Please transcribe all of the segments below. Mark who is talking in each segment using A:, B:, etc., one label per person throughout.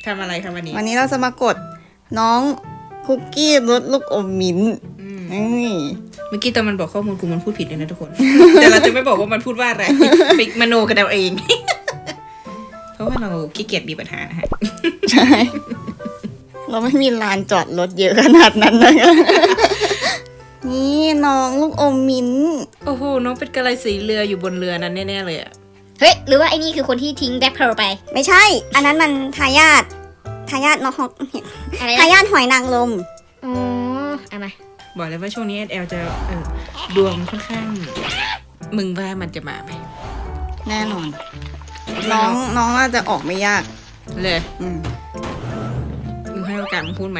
A: ทำอะไรครับวันนี้
B: วันนี้เราจะมากดน้องคุกกี้รสลูกอมมิ้นท์นี่
A: เมื่อกี้ตอนมันบอกข้อมูลกูมันพูดผิดเลยนะทุกคน แต่เราจะไม่บอกว่ามันพูดว่าอะไร ไปมโนกันเอาเอง เพราะว่าเราขี้เกียจมีปัญหานะฮะ
B: ใช่ เราไม่มีลานจอดรถเยอะขนาดนั้นนะ นี่น้องลูกอมมิ้นท์
A: โอ้โหน้องเป็นกระไรสีเรืออยู่บนเรือนั้นแน่ๆเลยอะ
C: เฮ้ยหรือว่าไอ้นี่คือคนที่ทิ้งแบ็คเพร์ลไป
B: ไม่ใช่ อันนั้นมันทายาทน้อง
C: อะไร
B: ทายาทหอยนางรม
C: อ๋อเอามา
A: บอกเลยว่าช่วงนี้แอลจะดวงค่อนข้างมึงว่ามันจะมาไหม
B: แน่นอน น้องน่าจะออกไม่ยาก
A: เลย
B: อืม
A: มึงให้โอกาสมึงพูดไหม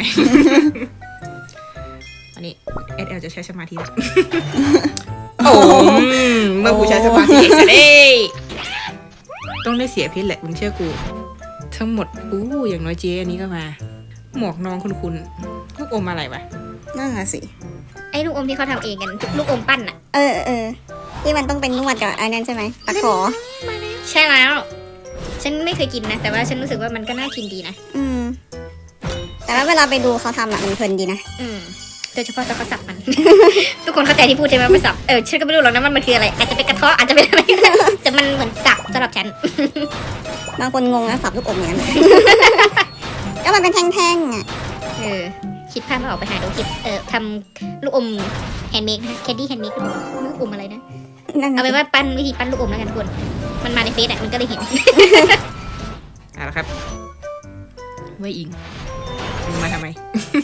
A: อันนี้แอลจะใช้สมาธิแล้ว โอ้เมื่อกูใช้สมาธิเสร็จเอ้ยต้องได้เสียเพชรแหละมึงเชื่อกู ทั้งหมดอย่างน้อยเจ๊อันนี้ก็มา หมวกน้องคุณลูกอมอะไรวะ
B: นั่นน่ะสิ
C: ไอ้ลูกอมที่เขาทำเองกันลูกอมปั้นอะ
B: ที่มันต้องเป็นนวดกับอันนั้นใช่ไหมตะขอ
C: ใช่แล้ว ฉันไม่เคยกินนะแต่ว่าฉันรู้สึกว่ามันก็น่ากินดีนะ
B: แต่ว่าเวลาไปดูเขาทำมันเพลินดีนะ
C: โดยเฉพาะตอนเขาสับมัน ทุกคนเข้าใจที่พูดใช่ไหมว่าสับฉันก็ไม่รู้หรอกนะมันคืออะไรอาจจะเป็นกระเทาะอาจจะเป็นอะไร แต่มันเหมือนสับสำหรับฉัน
B: บางคนงงนะสับลูกอมอย่างนั้น ก็มันเป็นแท่งๆอ่ะ
C: คิดภาพไม่ออกไปหาดูคลิปทำลูกอมแฮนด์เมดนะแคนดี้แฮนด์เมดลูกอมอะไรนะ เอาไปว่าปั้นวิธีปั้นลูกอมแล้วกันทุกคนมันมาในเฟซมันก็เลยเห็น
A: เอาละครับไว้อิงมึงมาทำไม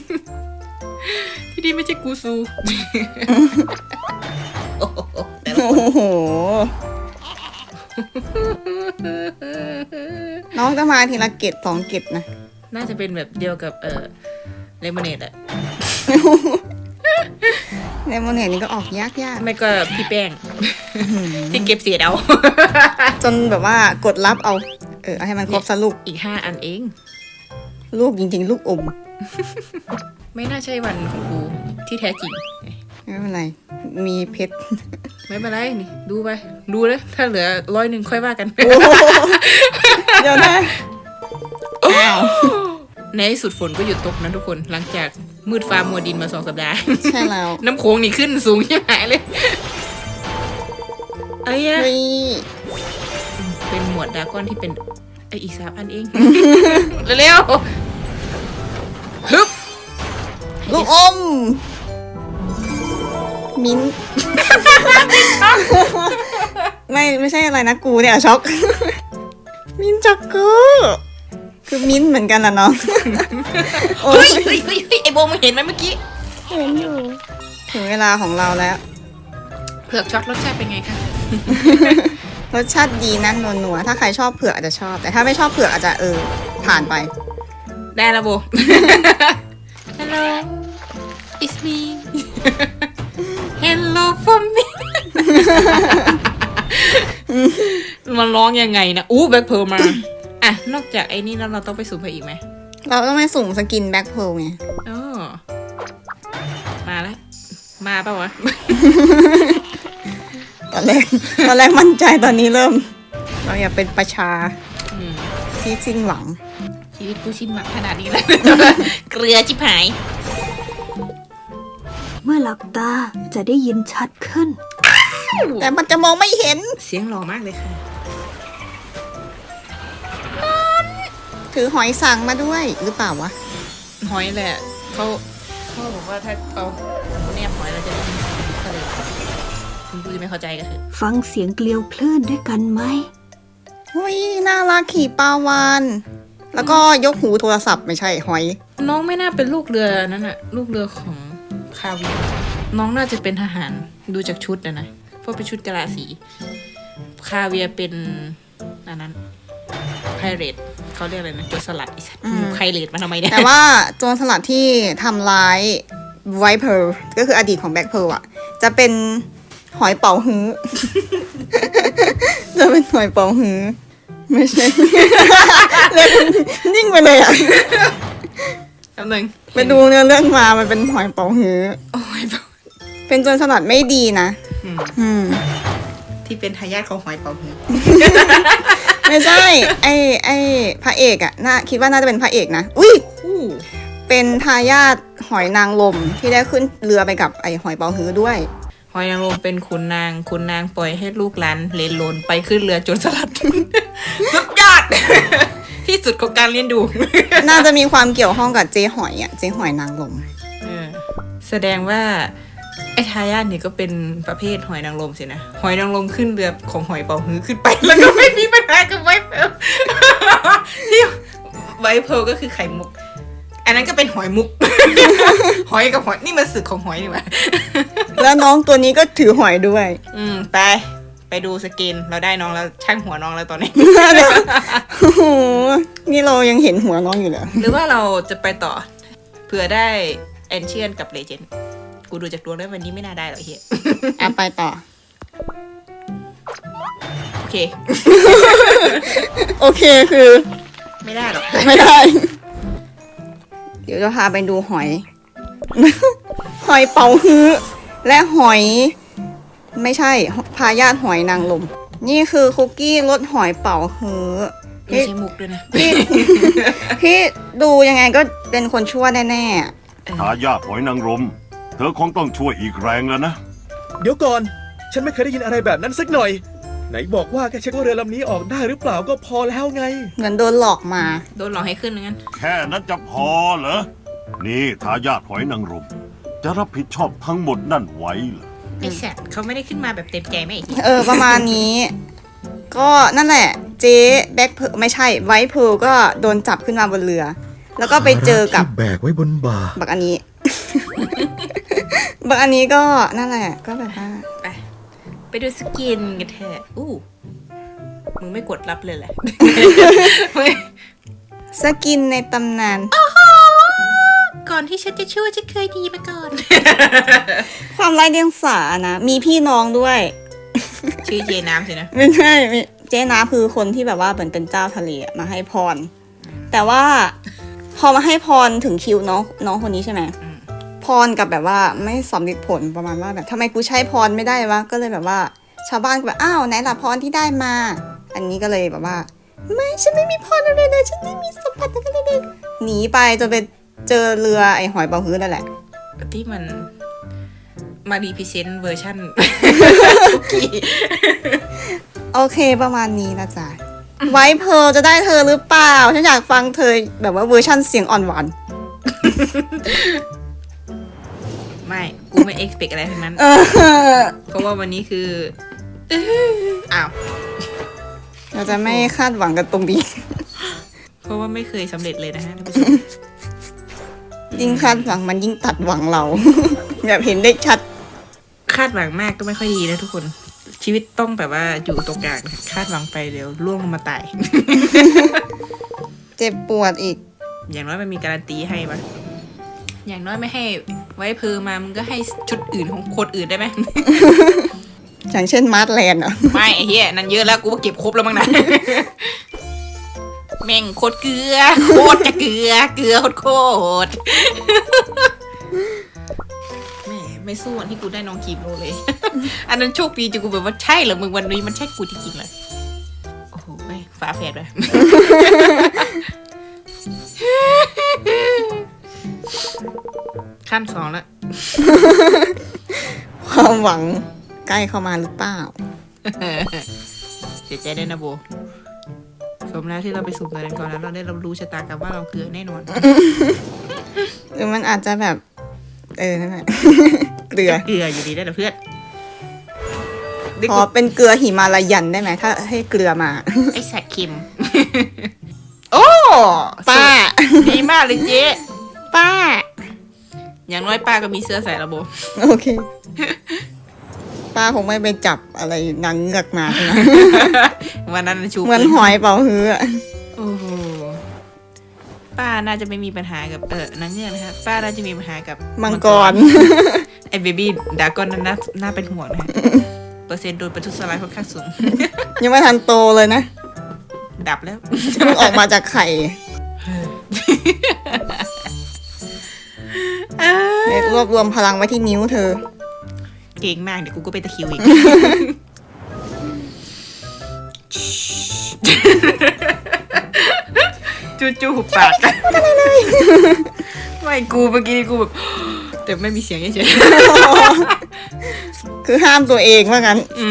A: ที่นี่ไม่ใช่กูซู โอ้โหแต่ละ
B: โอ้โห น้องจะมาทีละเกต2 เกตนะ
A: น่าจะเป็นแบบเดียวกับเลมอนเนดอะ
B: เลมอนเนดนี่ก็ออกยาก
A: ไม่ก็พี่แป้ง ที่เก็บเสียดเอา
B: จนแบบว่ากดรับเอาเอาให้มันครบซะลูก
A: อีก5 อันเอง
B: ลูกจริงๆ ลูกอม
A: ไม่น่าใช่วันของกูที่แท้จริง
B: ไม่เป็นไร มีเพชร
A: ไม่เป็นไรนี่ดูไปดูเลยถ้าเหลือ100ค่อยว่ากัน
B: เดี๋ยวนะอ้าว
A: ในที่สุดฝนก็หยุดตกนะทุกคนหลังจากมืดฟ้ามัวดินมา2 สัปดาห์
B: ใช่แล้ว
A: น้ำโขงนี่ขึ้นสูงยิ่งหายเลยไอ้ยะ
B: เฮ้ย
A: เป็นหมวดดราก้อนที่เป็นอีก3 อันเอง เร็วๆฮึบ
B: ลูกอม มิ้นท์ ไม่ใช่อะไรนะกูเนี่ยช็อก มิ้นท์ช็อกกูคือมิ้นท์เหมือนกันล่ะน้อง โอ้
A: เฮ้
B: ย
A: ยเฮ้ยเฮ้ยเฮ้ยไอโบมึงเห็นไหมเมื่อกี้
B: เห็นอยู่ ถึงเวลาของเราแล้ว
A: เผือกช็อตรสชาติเป็นไงคะ
B: รสชาติดีนะนัวๆถ้าใครชอบเผือกอาจจะชอบ แต่ถ้าไม่ชอบเผือกอาจจะผ่านไป
A: ได้แล้วโบ Hello it's me Hello for me มันร้องยังไงนะแบ็คเพร์ลมาอ่ะนอกจากไอ้นี่แล้วเราต้องไปสุ่มไปอีกไหม
B: เราต้องไปสุ่มสกินแบ็คเพร์ลไง
A: อ๋อมาแล้วมาป่าวะ
B: ตอนแรกมั่นใจตอนนี้เริ่ม เราอย่าเป็นประชา
A: อืม
B: ที่สิ้นหวัง
A: ชีวิตกูชินหวังขนาดนี้แล้ว เกลือจิบหาย
D: เมื่อหลับตาจะได้ยินชัดขึ้น
B: แต่มันจะมองไม่เห็น
A: เสียงหล่อมากเลยค่ะ
B: ถือหอยสังมาด้วยหรือเปล่าวะ
A: หอยแหละเขาบอกว่าถ้าเอาแนบหอยเราจะได้ยินเสียงทะเลคุณกูจะไม่เข้าใจก็คือ
D: ฟังเสียงเกลียวคลื่นด้วยกันไหม
B: อุ้ยน่ารักขี่ปลาวานแล้วก็ยกหูโทรศัพท์ไม่ใช่หอย
A: น้องไม่น่าเป็นลูกเรือนั่นอะลูกเรือของคาเวียร์น้องน่าจะเป็นทหารดูจากชุดนะเพราะเป็นชุดกะลาสีคาเวียร์เป็นอันนั้นไพเรตเขาเรียกอะไรนะโจรสลัดไอ้สัตว์ไพเรตมาทำไมเนี่ย
B: แต่ว่าโจรสลัดที่ทำร้ายไวท์เพร์ลก็คืออดีตของแบ็คเพร์ลอะจะเป็นหอยเป๋าฮื้อ จะเป็นหอยเป๋าฮื้อไม่ใช่ เลยนิ่งไปเลยอะ
A: แป๊บนึง
B: ไปดูเรื่องมามันเป็นหอยเป๋าฮื้อ
A: โอ้ย
B: เป็นโจรสลัดไม่ดีนะ
A: อืม
B: อืม
A: ที่เป็นทายาทของหอยเป๋าฮื้อ
B: ไม่ใช่ ไอพระเอกอะคิดว่าน่าจะเป็นพระเอกนะ อุ้ย
A: อู้
B: เป็นทายาทหอยนางรมที่ได้ขึ้นเรือไปกับไอหอยเป๋าฮื้อด้วย
A: หอยนางรมเป็นขุนนางปล่อยให้ลูกหลานเลนโลนไปขึ้นเรือจนสลัด สุดยอด ที่สุดของการเลี้ยงดู
B: น่าจะมีความเกี่ยวข้องกับเจ๊หอยอะเจ๊หอยนางรม
A: แสดงว่าไอ้ทายาทเนี่ยก็เป็นประเภทหอยนางรมสินะหอยนางรมขึ้นเรือของหอยเป๋าฮื้อขึ้นไป แล้วก็ไม่มีปัญหากับไวท์เพร์ล ที่ไวท์เพร์ลก็คือไข่มุก อันนั้นก็เป็นหอยมุก หอยกับหอยนี่มันสึกของหอยนี่หว่า
B: แล้วน้องตัวนี้ก็ถือหอยด้วย
A: ไปดูสกินเราได้น้องแล้วช่างหัวน้องแล้วตอนนี้
B: โอ้โห นี่เรายังเห็นหัวน้องอยู่เลย
A: หรือว่าเราจะไปต่อเผื่อได้แอนเชียนกับเลเจนด์กูดูจากดวงแล้ววันนี้ไม่น่าได้หรอกเฮีย
B: ไปต่อ
A: โอเค
B: โอเคคือ
A: ไม่ได้หรอก
B: ไม่ได้ เดี๋ยวจะพาไปดูหอย หอยเป๋าฮื้อและหอย ไม่ใช่พายาทหอยนางรมนี่คือคุกกี้รสหอยเป๋าฮื้อ
A: ไม่ใช่มุกด้วยนะ
B: ที่ดูยังไงก็เป็นคนชั่วแน่ๆ
E: ทายาทหอยนางรมเธอคงต้องช่วยอีกแรงแล้วนะ
F: เดี๋ยวก่อน ฉันไม่เคยได้ยินอะไรแบบนั้นสักหน่อย ไหนบอกว่าแค่เช็คว่าเรือลำนี้ออกได้หรือเปล่าก็พอแล้วไง
B: เหมือนโดนหลอกมา
A: โดนหลอกให้ขึ้นงั้น
E: แค่นั้นจะพอเหรอ นี่ทายาทหอยนางรมจะรับผิดชอบทั้งหมดนั่นไว้เหรอ
A: ไอ้สัตว์เขาไม่ได้ขึ้นมาแบบเต็มใจไม่ไอ้เหี้ย
B: ประมาณนี้ ก็นั่นแหละ เจ๊แบ็คเพร์ลไม่ใช่ไวท์เพร์ลก็โดนจับขึ้นมาบนเรือ แล้วก็ไปเจอกับ
F: แบกไว้บนบ่า
B: บักอันนี้ บักอันนี้ก็นั่นแหละ ก็แบบว่า
A: ไปดูสกินกันเถอะมึงไม่กดรับเลยแหละ
B: สกินในตำนาน
A: ก่อนที่ฉันจะช่วยฉันเคยดีมาก่อน
B: ความไร้เดียงสานะ มีพี่น้องด้วย
A: ชื่อเจน้ำสินะ
B: ไม่ใช่เจ๊นาคือคนที่แบบว่าเหมือนเป็นเจ้าทะเลอะมาให้พร แต่ว่าพอมาให้พรถึงคิวน้องคนนี้ใช่ไหมพรกับแบบว่าไม่สำเร็จผลประมาณว่าแบบทำไมกูใช้พรไม่ได้วะก็เลยแบบว่า ชาวบ้านก็แบบอ้าวไหนล่ะพรที่ได้มา อันนี้ก็เลยแบบว่า ไม่ฉันไม่มีพรอะไรเลยฉันไม่มีสมบัติอะไรเลยหนีไปจนไปเจอเรือไอหอยเป๋าฮื้อนั่นแหละ
A: ที่มันมารีพิเซนต์เวอร์ชัน คุกกี้
B: โอเคประมาณนี้นะจ๊ะไวท์เพร์ลจะได้เธอหรือเปล่า ฉันอยากฟังเธอแบบว่าเวอร์ชั่นเสียงอ่อนหวาน
A: ไม่ กูไม่เอ็กซ์เพกอะไรทั้งนั้น เพราะว่าวันนี้คือ อ้าว
B: เราจะไม่คาดหวังกันตรงนี้
A: เพราะว่าไม่เคยสำเร็จเลยนะฮะท่านผู้ชม
B: ยิ่งคาดหวังมันยิ่งตัดหวังเรา แบบเห็นได้ชัด
A: คาดหวังมากก็ไม่ค่อยดีนะทุกคน ชีวิตต้องแบบว่าอยู่ตรงกลางคาดหวังไปเดี๋ยวล่วงลงมาตาย
B: เจ็บปวดอีก
A: อย่างน้อยมันมีการันตีให้ปะอย่างน้อยไม่ให้ไว้เพอมามึงก็ให้ชุดอื่นของคนอื่นได้ไหม
B: อย่างเช่นมาร์ทแลนด์อ่ะ
A: ไม่ไอ้เหี้ยนั่นเยอะแล้วกูก็เก็บครบแล้วมั้งนะ แม่งโคตรเกลือโคตรจะเกลือโคตรแม่ไม่สู้วันที่กูได้น้องคีมโรเลย อันนั้นโชคดีจนกูแบบว่าใช่เหรอมึงวันนี้มันใช่กูจริงๆเลยโอ้โหไม่ฝาแฝดเลย ขั้นสองแล้ว
B: ความหวังใกล้เข้ามาหรือเปล่า
A: เสียใจด้วยนะโบสมแล้วที่เราไปสุ่มกันก่อนแล้วเราได้รับรู้ชะตากรรมว่าเราเกลือแน่นอน
B: หรือมันอาจจะแบบ นั่นแหละ เกลือ
A: เกลืออยู่ดีได้แต่เพื่อน
B: ขอเป็นเกลือหิมาลายันได้ไหมถ้าให้เกลือมา
A: ไอสัตว์เค็ม โอ้
B: ป้า
A: ดีมากเลยเจ๊
B: ป้า
A: อย่างน้อยป้าก็มีเสื้อใส่ระบบ
B: โอเค ป้าคงไม่ไปจับอะไรนางเงือกมาใช่ไหม
A: วันนั้นชู
B: เหมือนหอยเป่าฮื้ออะ
A: โอ้โหป้าน่าจะไม่มีปัญหากับนางเงือกนะฮะป้าน่าจะมีปัญหากับ
B: มังกร
A: ไอเบบี้ดากอนนั้นน่าเป็นห่วงนะฮะ เปอร์เซ็นต์โดนประทุษร้ายค่อนข้างสูง
B: ยังไม่ทันโตเลยนะ
A: ดับแล้ว
B: เพิ่งออกมาจากไข่เด็กรวบรวมพลังไว้ที่นิ้วเธอ
A: เก่งมากเดี๋ยวกูก็เป็นตะคริวอีกจู่ๆหุบปากกันไม่กูเมื่อกี้กูแบบแต่ไม่มีเสียงเฉย
B: คือห้ามตัวเองว่างั้น
A: ๆ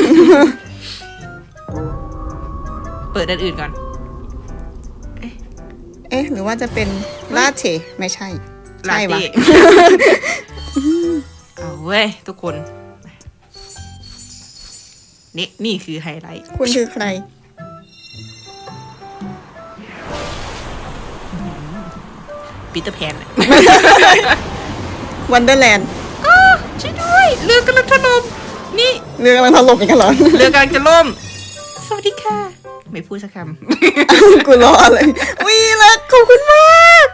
A: เปิดอันอื่นก่อน
B: เอ๊ะ หรือว่าจะเป็นลาเต้ไม่ใช่
A: ลา
B: ใช่ปะ
A: เต้ เอาเว้ยทุกคนนี่คือไฮไลท์
B: คุณคือใคร
A: ปีเตอร์แพน
B: วันเดอร์แลนด์
A: ช่วยด้วยเรือกำลังถล่มนี่
B: เรือกำลังถล่มอีกแล้วเหรอ
A: เรือกำลังจะล่ม สวัสดีค่ะ ไม่พูดสักค
B: กูรอเลยวิรักขอบคุณมาก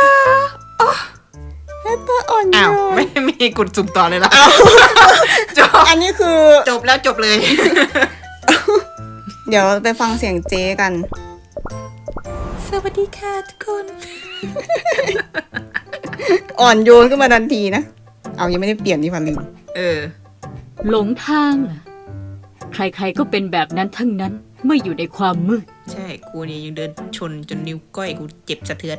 B: แฮตเตอร์อ่อน
A: ำ
B: โย
A: อ้าวน ไม่มีกดสุ่มต่อเลยละจบ
B: อันนี้คือ
A: จบแล้วจบเลย
B: เดี๋ยวไปฟังเสียงเจ๊กัน
A: สวัสดีค่ะทุกคน
B: อ่อนโยนขึ้นมาทันทีนะ เอายังไม่ได้เปลี่ยนนี่ฟันลืม
A: เออ
G: หลงทางเหรอใครๆก็เป็นแบบนั้นทั้งนั้นเมื่ออยู่ในความมืด
A: ใช่ กูเนี่ยยังเดินชนจนนิ้วก้อยกูเจ็บสะเทือน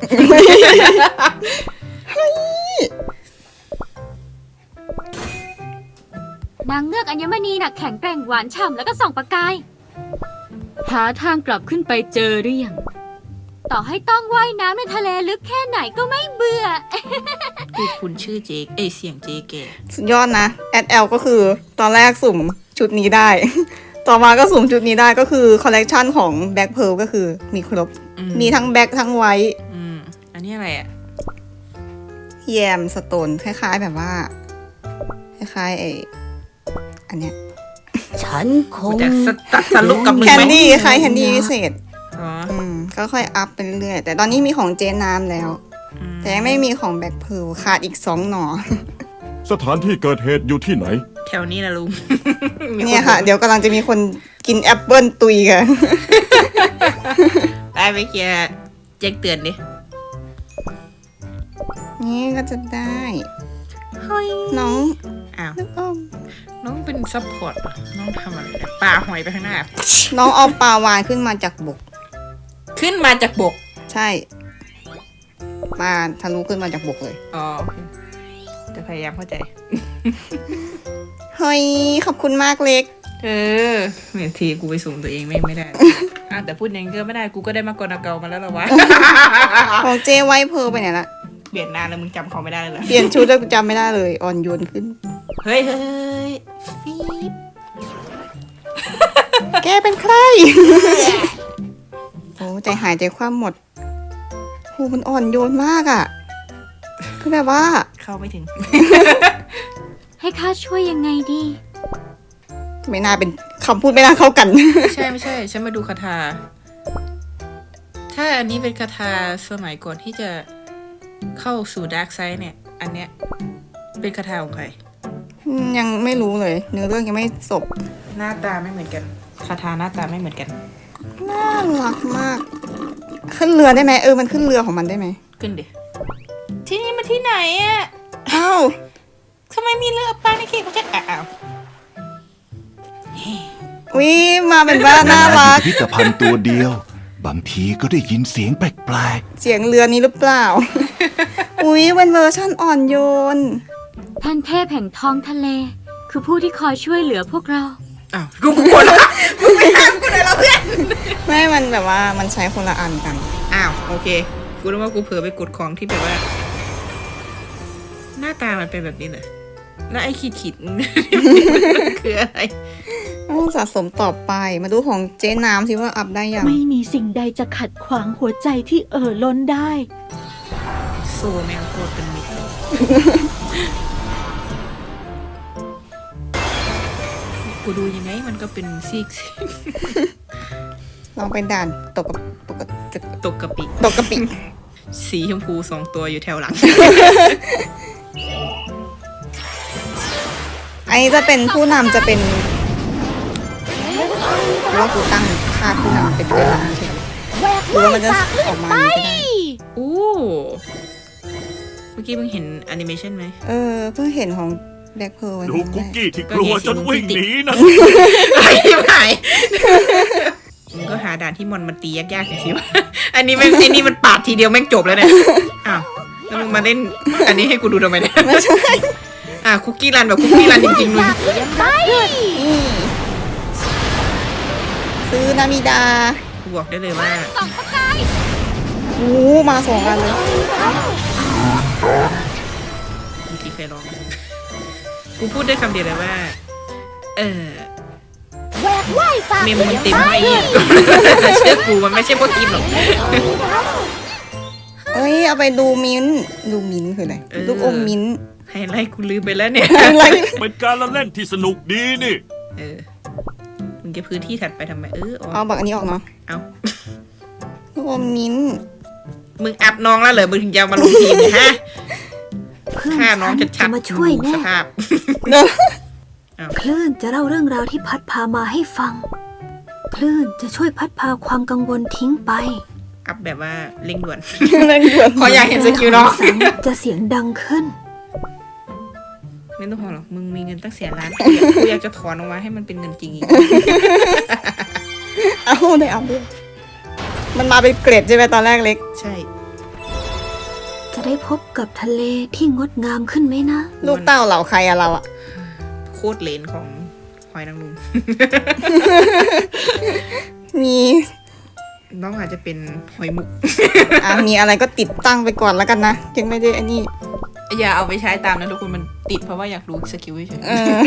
G: นางเงือกอัญมณีน่ะแข็งแกร่งหวานฉ่ำแล้วก็ส่องประกาย หาทางกลับขึ้นไปเจอหรือยังต่อให้ต้องว่ายน้ำในทะเลลึกแค่ไหนก็ไม่เบื่อ
A: กูคุณชื่อเจเสียงเจแก
B: สุดยอดนะแอดแอลก็คือตอนแรกสุ่มชุดนี้ได้ ต่อมาก็สุ่มชุดนี้ได้ก็คือคอลเลกชันของแบ็คเพ r ร์ก็คือมีครบ มีทั้งแบ็คทั้งไวท์
A: อันนี้อะไรอ่ะ
B: แยมสโตนคล้ายๆแบบว่า คล้ายๆอันเนี้ย
D: ฉันค
A: กู
D: ง
A: จะตัดสรุปกับมึง
B: แคน
A: ไหม
B: ดี้คล้ายแคนดี้พิเศษ
A: อ๋อ
B: ก็ค่อยอัพไปเรื่อยๆแต่ตอนนี้มีของเจนน้ำแล้ว แต่ยังไม่มีของแบ็คเพ r ร์ขาดอีก2 หน่อ
E: สถานที่เกิดเหตุอยู่ที่ไหน
A: แถวนี้นะลุง
B: เนี่ยค่ะ เดี๋ยวกำลังจะมีคนกินแอปเปิลตุยกัน
A: ไปไปเคลียร์แจ้งเตือนดิ
B: นี่ก็จะได้
A: เฮ้ย
B: น้อง
A: อ้าว
B: นึกออก
A: น้องเป็นซัพพอร์ตเหรอน้องทำอะไรเนี่ยปลาหอยไปข้างหน้า
B: น้องเอาปลาวานขึ้นมาจากบก
A: ขึ้นมาจากบก
B: ใช่ปลาทะลุขึ้นมาจากบกเลย
A: อ๋อโอเคจะพยายามเข้าใจ
B: เฮ้ย ขอบคุณมากเล็ก
A: เออเหมือนทีกูไปสุ่มตัวเองไม่ได้ แต่พูดอย่างนี้ก็ไม่ได้กูก็ได้มากกว่าเก่ามาแล้วหรอวะ
B: ของเจไวท์เพร์ลไปไหนละ
A: เปลี่ยนนานแล้วมึงจำเขาไม่ได้เลยเหรอ
B: เปลี่ยนชุดแล้วจำไม่ได้เลย อ่อนโยนขึ้น
A: เฮ้ยฟีบ
B: แกเป็นใคร โอ้ใจหายใจคว่ำหมดโหมันอ่อนโยนมากอ่ะ คือแบบว่า
A: เข้าไม่ถึง
G: ให้ข้าช่วยยังไงดี
B: ไม่น่าเป็นคำพูดไม่น่าเข้ากัน
A: ไม่ใช่ฉันมาดูคาถา ถ้าอันนี้เป็นคาถาสมัยก่อนที่จะเข้าสู่ดาร์กไซด์เนี่ย อันเนี้ยเป็นคาถาของใคร
B: ยังไม่รู้เลย เนื้อเรื่องยังไม่จบ
A: หน้าตาไม่เหมือนกันคาถาหน้าตาไม่เหมือนกัน
B: น่ารักมาก ขึ้นเรือได้ไหมมันขึ้นเรือของมันได้ไหม
A: ขึ้นดิ ที่นี่มาที่ไหนอ่ะ
B: อ้าว
A: ทำไมมีเรือปลาในเขตของฉันอ้าว
B: วิมาเป็นบ้านน่ารัก
H: พิพิธภัณฑ์ตัวเดียว บางทีก็ได้ยินเสียงแปลก
B: เสียงเรือนี้หรือเปล่า อุ๊ยเป็นเวอร์ชั่นอ่อนโยน
G: ท่านเทพแห่งท้องทะเล คือผู้ที่คอยช่วยเหลือพวกเรา
A: อ้าวกูกลัวละมึงไปห้ามกูเลยละเพื่อน
B: ไม่มันแบบว่ามันใช้คนละอันกัน
A: อ้าวโอเคกูรู้ว่ากูเผลอไปกดของที่แบบว่า หน้าตามันเป็นแบบนี้เลยแล้วไอ้ขีดคืออะไร
B: ต้องสะสมต่อไป มาดูของเจ๊น้ำสิว่าอัพได้ยัง
D: ไม่มีสิ่งใดจะขัดขวางหัวใจที่ล้นได้
A: โซแมงโคตรเป็นมิตรเลยกูดูยังไงมันก็เป็นซีก
B: ลองไปด่านตกกับ
A: ตกกะปิ
B: ตกกะปิ
A: สีชมพู2 ตัวอยู่แถวหลัง
B: อันนี้จะเป็นผู้นำจะเป็นหรือว่ากูตั้งค่าผู้นำเป็นเจ๊น้ำใช่ไหมหรือว่ามันจะออกมาอย่างนี้ก็ได้
A: อู้เมื่อกี้มึงเห็นแอนิเมชันไหม
B: เพิ่งเห็นของแบ็คเพร์ล
E: ดูคุกกี้ที่กลัวจนวิ่งหนีนะ
A: ไม่หายมึงก็หาด่านที่มันตียากๆหน่อยสิวะ อันนี้มันปาดทีเดียวแม่งจบแล้วเนี่ย อ้าวแล้วมึงมาเล่นอันนี้ให้กูดูทำไมเนี่ย
B: ไม่ใช่
A: คุกกี้รันแบบคุกกี้รันจริงๆเลย
B: นี่ซื้อนามิดา
A: กูบอกได้เลยว่า
G: ส่องประกาย
B: โอ้มา2 อันเลย
A: เมื่อกี้เคยลอง กูพูดได้คำเดียวเลยว่า เมมมันเต็มไว้เนี่ย เชื่อกูมันไม่ใช่พวกกินหรอก
B: เอ้ยเอาไปดูมิ้นท์คืออะไร ลูกอมมิ้นท์
A: ไฮไลท์กูลืมไปแล้วเนี่ย
B: อะไร
E: เป็นการละเล่นที่สนุกดีนี่
A: มึงจะพื้นที่ถัดไปทำไมอ๋อ
B: เอาบักอันนี้ออกเนาะ
A: เอา
B: ลูกอมมิ้นท์
A: มึงอัพน้องแล้วเหรอมึงถึงจะมาลงทีมเนี่ยฮะ
D: เพื่อน
A: ฆ่าน้อง
D: ฉัน
A: ชั
D: จะ
A: ด
D: มา
A: ๆ
D: ช่วย
A: ดู
D: แน่
A: สภาพ
D: คลื่นจะเล่าเรื่องราวที่พัดพามาให้ฟัง คลื่นจะช่วยพัดพาความกังวลทิ้งไป
A: อัพแบบว่าเร่งด่วน
B: เร่งด่วน
A: พออยากเห็นสกิลน้อง
D: จะเสียงดังขึ้น
A: ไม่ต้องพอหรอก มึงมีเงินตั้ง100,000,000กูอยากจะถอนออกมาให้มันเป็นเงินจริงอีก
B: เอาได้เอาด้วยมันมาเป็นเกรดใช่ไหมตอนแรกเล็ก
A: ใช่
D: จะได้พบกับทะเลที่งดงามขึ้นไหมนะ
B: ลูกเต้าเหล่าใครอะเราอะ
A: โคตรเลนของหอยนางรม
B: มี
A: น้องอาจจะเป็นหอยมุก
B: มีอะไรก็ติดตั้งไปก่อนแล้วกันนะยังไม่ได้อันนี้
A: อย่าเอาไปใช้ตามนะทุกคนมันติดเพราะว่าอยากรู้สกิลเฉย
B: เออ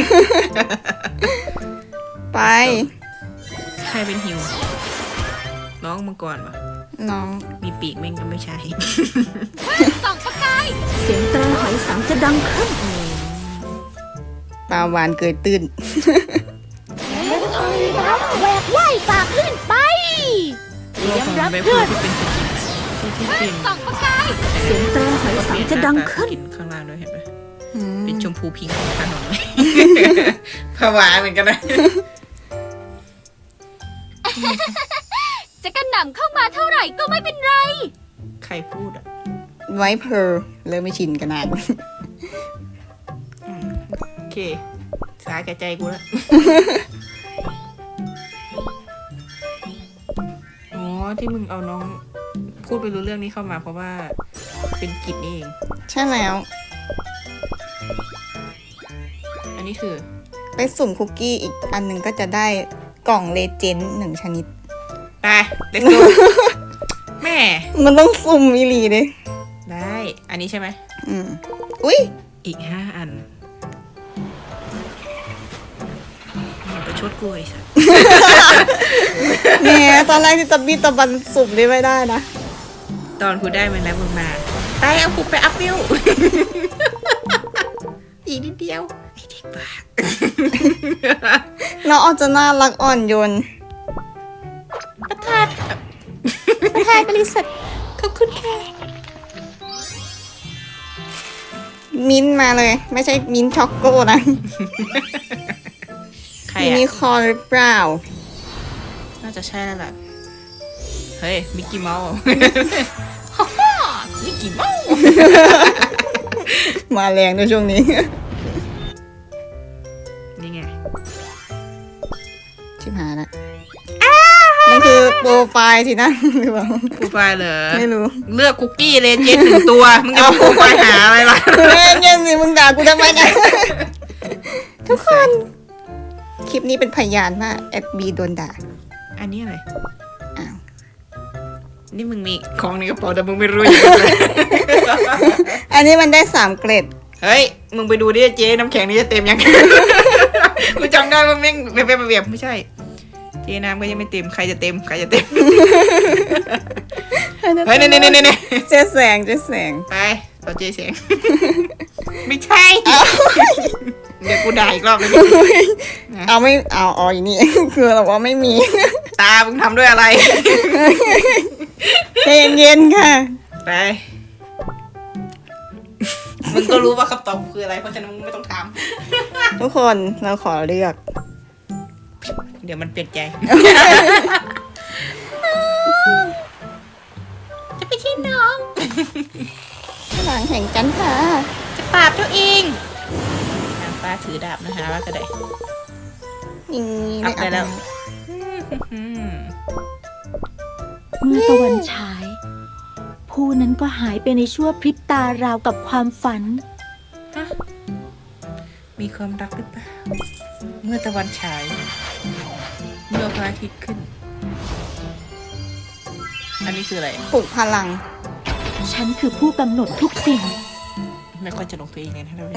B: ไป
A: ๆใครเป็นฮิว น้องมังกรปะ
B: น้อง
A: มีปีกแม่งก็ไม่ใช่
G: ส่องประกาย
D: เสียงแตรหอยสังจะดังขึ้น
B: ปลาวานเกยตื้น
C: แหวกว่ายฝ่าขึ้นไป
A: เตรียมรับเพื่อนที่เป็นสกินที่เป็น
G: ส่องประกาย
D: เสียงแตรหอยสังจะดังขึ้น
A: สกินข้างล่างด้วยเห็นไหม
B: อืม
A: เป็นชมพูพิงค์ของถนนเลย ผวาเหมือนกันนะ
G: จะกระหน่ำเข้ามาเท่าไหร่ก็ไม่เป็นไร
A: ใครพูดอ่ะ
B: ไว้เพอร์เริ่มไม่ชินกันนาน
A: โอเค สาแก่ใจกูแล้ว อ๋อ ที่มึงเอาน้องพูดไปรู้เรื่องนี้เข้ามาเพราะว่าเป็นกิจนี่เอง
B: ใช่แล้ว
A: อันนี้คือ
B: ไปสุ่มคุกกี้อีกอันหนึ่งก็จะได้กล่องเลเจนด์1 ชนิด
A: ไป let's go แม่
B: มันต้องสุ่มอีหลีเลย
A: ได้ อันนี้ใช่ไหม
B: อุ้ย
A: อีก5 อันอย่าไปชดกูไอ้สัส
B: แหมตอนแรกที่ตะบี้ตะบันสุ่มได้ไม่ได้นะ
A: ตอนกูได้มันแล้วมึงมาไปเอากูไปอัพวิว อีกนิดเดียวไอ้เด็กบ้า
B: น้องออนจะน่ารักอ่อนโยน
A: ประธานบริษัทขอบคุณค่ะ
B: มิ้นท์มาเลย ไม่ใช่มิ้นท์ช็อกโก้นะ
A: ใคร
B: ยูนิ
A: อ่ะ
B: คอร์นหรือเปล่า
A: น่าจะใช่แล้วล่ะ เฮ้ย มิกกี้เมาส์ มิกกี้เมาส์
B: มาแรงในช่วงนี้
A: นี่ไง
B: ชิบหายละมันคือโปรไฟล์สินะ หรือเปล่า
A: โปรไฟล์เหรอ
B: ไม่รู้
A: เลือกคุกกี้เลนเจนด์1 ตัว มึงจะมาโปรไฟล์หาอะไรล่ะ
B: เล่นเย็นสิมึงด่ากูทำไมเนี่ย ทุกคน คลิปนี้เป็นพยานว่าแอดบีโดนด่า
A: อันนี้อะไร
B: อ้าว
A: นี่มึงมีของในกระเป๋าแต่มึงไม่รู้อย่างไร
B: อันนี้มันได้3 เกรด
A: เฮ้ย มึงไปดูดิเจ๊น้ำแข็งนี่จะเต็มยัง กูจำได้ว่าแม่งเบียบไม่ใช่ เจ๊น้ำก็ยังไม่เต็ม ใครจะเต็ม ใครจะเต็ม เฮ้ยเน่ๆ
B: เจ๊แสง
A: ไปต่อเจ๊เสียง ไม่ใช่ เดี๋ยวกูด่าอีกรอบเลย
B: เอาไม่เอาอ๋ออยู่นี่ คือเราว่าไม่มี
A: ตา มึงทำด้วยอะไร
B: ใจเย็นๆค่ะ
A: ไป มึงก็รู้ว่าคำตอบคืออะไร เพราะฉะนั้นมึงไม่ต้องถาม
B: ทุกคนเราขอเลือก
A: เดี๋ยวมันเปลี่ยนใจ จะไปที่น้อง
B: หลังแห่งกันค่ะ
A: จะปราบตัวเองนางฟ้าถือดาบนะคะว่าก็ได้
B: นี่
A: อัพได้แล้ว
B: นะ
A: อืม
D: เมื่อตะวันฉาย ผู้นั้นก็หายไปในชั่วพริบตาราวกับความฝัน
A: มีความรักหรือเปล่า เมื่อตะวันฉาย เมื่อพระอาทิตย์ขึ้น อันนี้คืออะไร
B: ปลุกพลัง
D: ฉันคือผู้กำหนดทุกสิ่ง
A: ไม่ค่อยจะลงตัวเองเลยนะเรา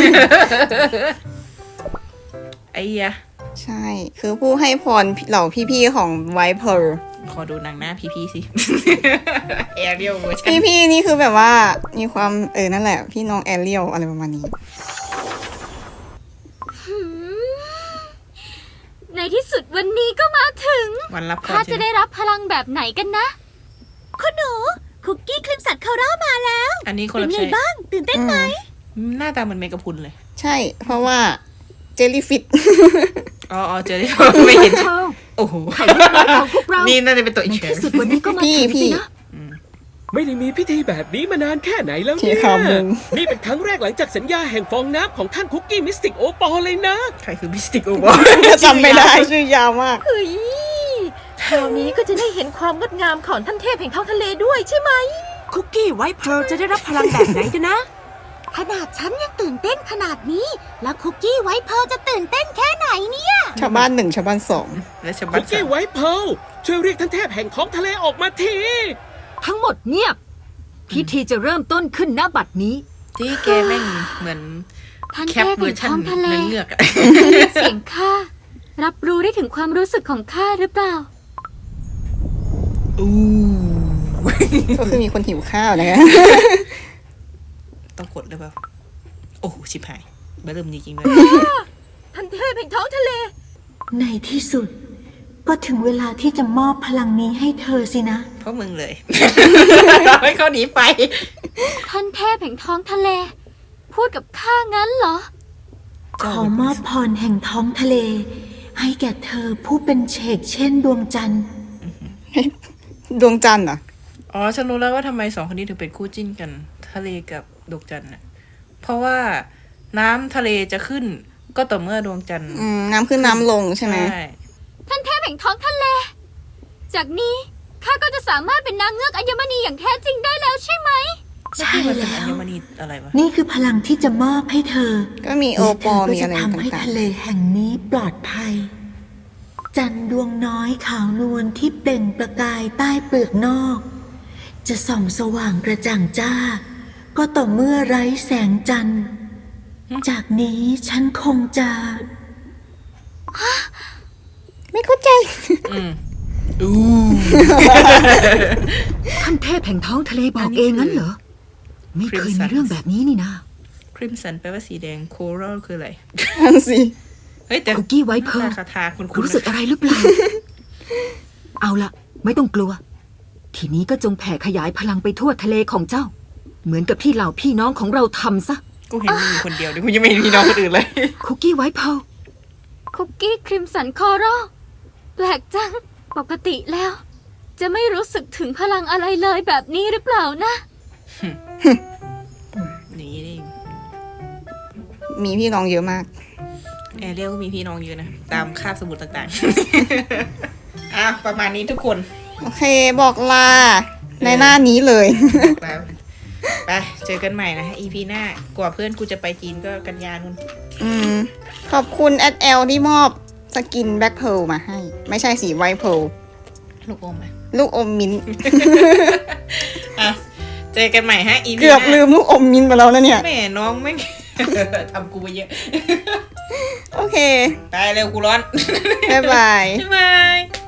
A: ไอ้ยะ
B: ใช่ คือผู้ให้พรเหล่าพี่ๆของไวท์เพร์ล
A: ขอดูหนังหน้าพี่ๆสิ แอเรียลเวอร์ชัน
B: พี่ๆนี่คือแบบว่ามีความนั่นแหละ พี่น้องแอเรียลอะไรประมาณนี้
G: ในที่สุดวันนี้ก็มาถึง
A: วันรับพร
G: ข้า
A: ใช่
G: จะ
A: ไหม
G: ได้รับพลังแบบไหนกันนะ คุณหนู คุกกี้ครีมสันคาร่ามาแล้ว
A: อันนี้คน
G: เป็น
A: รับ
G: ไง
A: ใช้
G: บ้าง ตื่นเต้นไหม
A: หน้าตาเหมือนเมกะพรุนเลย
B: ใช่ เพราะว่าเจลลี่ฟิต
A: อ๋อเจอได้ไม่เห็น โอ้โห
G: ของพวกเรา
A: นี่น่าจะเป็นตัวอี
G: ใน
A: กเช
G: ที่
A: ฟ
G: สุดวันนี้ก็มา
B: พี่
G: ถึง
B: พี่
G: สินะ
F: ไม่ได้มีพิธีแบบนี้มานานแค่ไหนแล้ว
B: ที่
F: เนี่ย
B: ข่าวมึง
F: นี่เป็นครั้งแรกหลังจากสัญญาแห่งฟองน้ำของท่านคุกกี้มิสติกโอปอลเลยนะ
A: ใครคือมิสติกโอวะ
B: จำไม่ได้ชื่อยาวมาก
I: เฮ้ยคราวนี้ก็จะได้เห็นความงดงามของท่านเทพแห่งท้องทะเลด้วยใช่ไหม คุกกี้ไวท์เพร์ลจะได้รับพลังแบบไหนกันนะ
C: ขนาดฉันยังตื่นเต้นขนาดนี้ แล้วคุกกี้ไวท์เพร์ลจะตื่นเต้นแค่ไหนเนี่ย
B: ชาวบ้านหนึ่งชาวบ้านสอง
A: และฉบั
F: คุ
A: บ
F: กกี้ไวท์เพร์ลช่วยเรียกท่านเทพแห่งท้องทะเลออกมาที
I: ทั้งหมดเงียบ พิธีจะเริ่มต้นขึ้นณบัดนี้
A: ที่แกแม่งเหมือน
G: ท่าน
A: แค
G: เท
A: ป
G: พ
A: เวอ
G: แห่ง
A: ร์ชัน
G: ท้องทะเล
A: เนื้อเงือกอะ
G: ได้ยินเสียงข้า รับรู้ได้ถึงความรู้สึกของข้าหรือเปล่า
A: อู้
B: ก็คือมีคนหิวข้าวนะคะ
A: ต้องกดหรือเปล่า โอ้โห ชิบหายเริ่มจริงๆเลย
I: ท่านเทพแห่งท้องทะเล
D: ในที่สุด ก็ถึงเวลาที่จะมอบพลังนี้ให้เธอสินะ
A: เพราะมึงเลย ให้เขาหนีไป
G: ท่านเทพแห่งท้องทะเล พูดกับข้างั้นเหรอ
D: ขอมอบพรแห่งท้องทะเล ให้แก่เธอผู้เป็นเฉกเช่นดวงจันทร์
B: ดวงจันทร์เหรอ
A: อ๋อ ฉันรู้แล้วว่าทำไมสองคนนี้ถึงเป็นคู่จิ้นกัน ทะเลกับดวงจันทร์น่ะ เพราะว่าน้ำทะเลจะขึ้น ก็ต่อเมื่อดวงจันทร์
B: น้ำขึ้นน้ำลงใช่ไหม
G: ท่านเทพแห่งท้องทะเล จากนี้ข้าก็จะสามารถเป็นนางเงือกอัญมณีอย่างแท้จริงได้แล้วใช่ไหม
A: แล้วที่มันเป็นอัญมณีอะไรวะ
D: นี่คือพลังที่จะมอบให้เธอ
B: ก็มีโอปอล
D: และ
B: มี
D: เธอก็
B: อะไร
D: จะทำให้
B: ต่าง
D: ทะเลแห่งนี้ปลอดภัย จันทร์ดวงน้อยขาวนวลที่เปล่งประกายใต้เปลือกนอก จะส่องสว่างกระจ่างจ้า ก็ต่อเมื่อไร้แสงจันทร์ จากนี้ฉันคงจะ
B: ๆ ไม่เข้าใจ
A: อืมอู้
I: ท่านเทพแห่งท้องทะเลบอกเองงั้นเหรอ ไม่เคยมีเรื่องแบบนี้นี่นะ
A: คริมสันแปลว่าสีแดง โครัลคืออะไร
B: นั่นสิ
A: เฮ้ย แต่
I: คุกกี้ไวท์เพร์ล
A: หน้าคาถาคุณ
I: รู้สึกอะไรหรือเปล่า เอาละไม่ต้องกลัว ทีนี้ก็จงแผ่ขยายพลังไปทั่วทะเลของเจ้า เหมือนกับที่เหล่าพี่น้องของเราทำซะ
A: กูเห็นมึงอยู่คนเดียวดิกูยังไม่เห็นพี่น้องคนอื่นเลย
I: คุกกี้ไวท์เพร์ล
G: คุกกี้ครีมสันคอรัลแปลกจัง ปกติแล้ว จะไม่รู้สึกถึงพลังอะไรเลยแบบนี้หรือเปล่านะ
A: นี่นี่
B: มีพี่น้องเยอะมาก
A: แอเรียลก็มีพี่น้องเยอะนะ ตามคาบสมุดต่างๆ อ่ะ ประมาณนี้ทุกคน
B: โอเคบอกลา ในหน้านี้เลย
A: แล้วไปเจอกันใหม่นะ EP หน้ากว่าเพื่อนกูจะไปจีนก็กันยานุ่น
B: ขอบคุณแอดแอลที่มอบสกินแบ็คเพร์ลมาให้ ไม่ใช่สีไวท์เพร์ล
A: ลูกอมอ่ะ
B: ลูกอมมิ้นท์
A: อ่ะ เจอกันใหม่ฮะ EP
B: เกือบ
A: หน้า
B: ลืมลูกอมมิ้นท์ไปแล้วนะเนี่ย
A: แม่น้องไม่ ทำกูไปเยอะ
B: โอเค
A: ไปเร็วกูร้อน
B: บ๊ายบาย
A: บ๊ายบาย